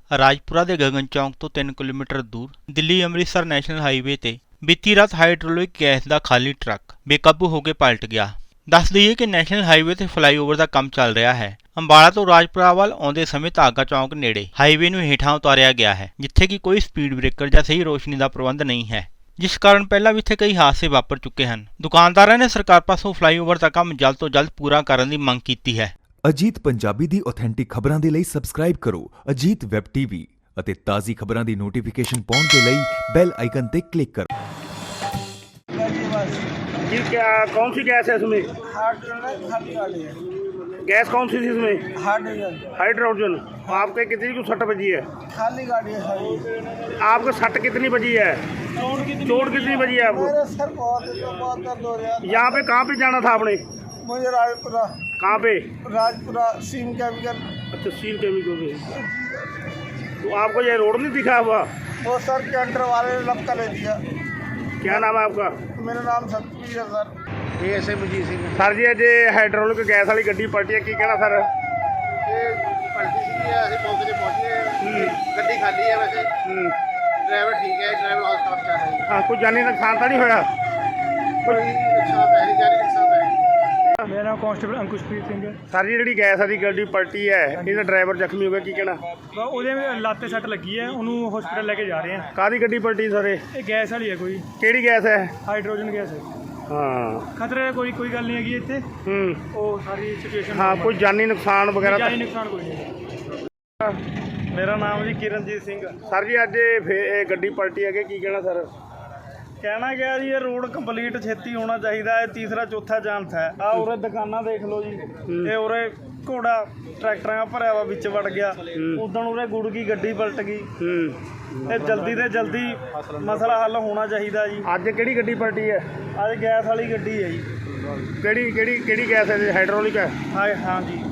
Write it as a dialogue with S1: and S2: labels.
S1: ਰਾਜਪੁਰਾ ਦੇ ਗਗਨ ਚੌਂਕ ਤੋਂ 3 ਕਿਲੋਮੀਟਰ ਦੂਰ ਦਿੱਲੀ ਅੰਮ੍ਰਿਤਸਰ ਨੈਸ਼ਨਲ ਹਾਈਵੇ ਤੇ ਬੀਤੀ ਰਾਤ ਹਾਈਡ੍ਰੋਲਿਕ ਗੈਸ ਦਾ ਖਾਲੀ ਟਰੱਕ ਬੇਕਾਬੂ ਹੋ ਕੇ ਪਲਟ ਗਿਆ। ਦੱਸ ਦਈਏ ਕਿ ਨੈਸ਼ਨਲ ਹਾਈਵੇ ਤੇ ਫਲਾਈਓਵਰ ਦਾ ਕੰਮ ਚੱਲ ਰਿਹਾ ਹੈ। ਅੰਬਾਲਾ ਤੋਂ ਰਾਜਪੁਰਾ ਵੱਲ ਆਉਂਦੇ ਸਮੇਂ ਧਾਗਾ ਚੌਂਕ ਨੇੜੇ ਹਾਈਵੇ ਨੂੰ ਹੇਠਾਂ ਉਤਾਰਿਆ ਗਿਆ ਹੈ, ਜਿੱਥੇ ਕਿ ਕੋਈ ਸਪੀਡ ਬ੍ਰੇਕਰ ਜਾਂ ਸਹੀ ਰੋਸ਼ਨੀ ਦਾ ਪ੍ਰਬੰਧ ਨਹੀਂ ਹੈ, ਜਿਸ ਕਾਰਨ ਪਹਿਲਾਂ ਵੀ ਇੱਥੇ ਕਈ ਹਾਦਸੇ ਵਾਪਰ ਚੁੱਕੇ ਹਨ। ਦੁਕਾਨਦਾਰਾਂ ਨੇ ਸਰਕਾਰ ਪਾਸੋਂ ਫਲਾਈਓਵਰ ਦਾ ਕੰਮ ਜਲਦ ਤੋਂ ਜਲਦ ਪੂਰਾ ਕਰਨ ਦੀ ਮੰਗ ਕੀਤੀ ਹੈ।
S2: ਅਜੀਤ ਪੰਜਾਬੀ ਦੀ ਆਥੈਂਟਿਕ ਖਬਰਾਂ ਦੇ ਲਈ ਸਬਸਕ੍ਰਾਈਬ ਕਰੋ ਅਜੀਤ ਵੈਬ ਟੀਵੀ ਅਤੇ ਤਾਜ਼ੀ ਖਬਰਾਂ ਦੀ ਨੋਟੀਫਿਕੇਸ਼ਨ ਪਾਉਣ ਦੇ ਲਈ ਬੈਲ आइकन ਤੇ क्लिक करो।
S3: जी क्या कौन सी गैस है इसमें?
S4: खाली है।
S3: गैस कौन सी थी इसमें?
S4: हाइड्रोजन।
S3: हाइड्रोजन। आपके कितनी को सट बजी है?
S4: खाली गाड़ी है सारी।
S3: आपको सट कितनी बजी है? चोट कितनी बजी है आपको?
S4: मेरे सर बहुत दर्द हो रहा है।
S3: यहाँ पे कहाँ पे जाना था आपने?
S4: मुझे राजपुरा।
S3: कहाँ पे?
S4: राजपुरा सीम केमिकल।
S3: अच्छा सील केमिकल पे। तो आपको ये रोड नहीं दिखा हुआ?
S4: वो सर कैंटर वाले ने लपका ले दिया।
S3: क्या नाम है आपका?
S4: मेरा नाम सतवीर है सर।
S3: ये ऐसे बजी सी सर जी अज हाइड्रोलिक गैस वाली गड्डी पलटी है, की कहना सर?
S5: पलटी सी ਅਸੀਂ ਮੌਕੇ ਤੇ ਪਹੁੰਚੇ। ਗੱਡੀ ਖਾਲੀ ਹੈ ਵੈਸੇ। ਡਰਾਈਵਰ ਠੀਕ ਹੈ, ਡਰਾਈਵਰ ਹਸਪਤਾਲ ਚ ਹੈ।
S3: हाँ कोई जानी नुकसान तो नहीं होया?
S5: ਕੋਈ ਨੁਕਸਾਨ ਤਾਂ ਹੈ ਨਹੀਂ, ਜਾਨੀ ਨੁਕਸਾਨ ਤਾਂ ਹੈ।
S4: मेरा नाम कांस्टेबल अंकुशप्रीत सिंह है।
S3: सर जी जी गैस वाली गड्डी पलटी है, ਇਹਦਾ ਡਰਾਈਵਰ ਜ਼ਖਮੀ ਹੋ ਗਿਆ, ਕੀ ਕਹਿਣਾ?
S4: ਉਹਦੇ ਲੱਤ ਤੇ ਸੱਟ ਲੱਗੀ ਹੈ, ਉਹਨੂੰ ਹਸਪੀਟਲ ਲੈ ਕੇ ਜਾ ਰਹੇ ਹਾਂ।
S3: ਕਾਹਦੀ ਗੱਡੀ ਪਲਟੀ ਸਰ?
S4: ਇਹ ਗੈਸ ਵਾਲੀ ਹੈ, ਕੋਈ
S3: ਕਿਹੜੀ ਗੈਸ ਹੈ?
S4: ਹਾਈਡਰੋਜਨ ਗੈਸ ਹੈ।
S3: ਹਾਂ
S4: ਖਤਰੇ ਕੋਈ ਗੱਲ ਨਹੀਂ ਹੈਗੀ ਇੱਥੇ। ਉਹ ਸਾਰੀ ਸਿਚੁਏਸ਼ਨ
S3: ਹਾਂ ਕੋਈ ਜਾਨੀ ਨੁਕਸਾਨ ਵਗੈਰਾ
S4: ਜਾਨੀ ਨੁਕਸਾਨ ਕੋਈ ਨਹੀਂ। ਮੇਰਾ ਨਾਮ ਜੀ ਕਿਰਨਜੀਤ ਸਿੰਘ।
S3: ਸਰ ਜੀ ਅੱਜ ਇਹ ਗੱਡੀ ਪਲਟੀ ਹੈਗੀ, ਕੀ ਕਹਿਣਾ ਸਰ?
S4: ਕਹਿਣਾ ਗਿਆ ਜੀ ਇਹ ਰੋਡ ਕੰਪਲੀਟ ਛੇਤੀ ਹੋਣਾ ਚਾਹੀਦਾ ਹੈ। ਤੀਸਰਾ ਚੌਥਾ ਚਾਂਸ ਹੈ। ਆ ਉਰੇ ਦੁਕਾਨਾਂ ਦੇਖ ਲਓ ਜੀ, ਇਹ ਉਰੇ ਘੋੜਾ ਟਰੈਕਟਰਾਂ ਭਰਿਆ ਵਾ ਵਿੱਚ ਵੜ ਗਿਆ। ਉਦੋਂ ਉਰੇ ਗੁੜ ਗਈ, ਗੱਡੀ ਪਲਟ ਗਈ। ਇਹ ਜਲਦੀ ਤੋਂ ਜਲਦੀ ਮਸਲਾ ਹੱਲ ਹੋਣਾ ਚਾਹੀਦਾ ਜੀ।
S3: ਅੱਜ ਕਿਹੜੀ ਗੱਡੀ ਪਲਟੀ ਹੈ?
S4: ਅੱਜ ਗੈਸ ਵਾਲੀ ਗੱਡੀ ਹੈ ਜੀ।
S3: ਕਿਹੜੀ ਗੈਸ ਹੈ? ਹਾਈਡ੍ਰੋਲਿਕ ਹੈ?
S4: ਹਾਂ ਜੀ।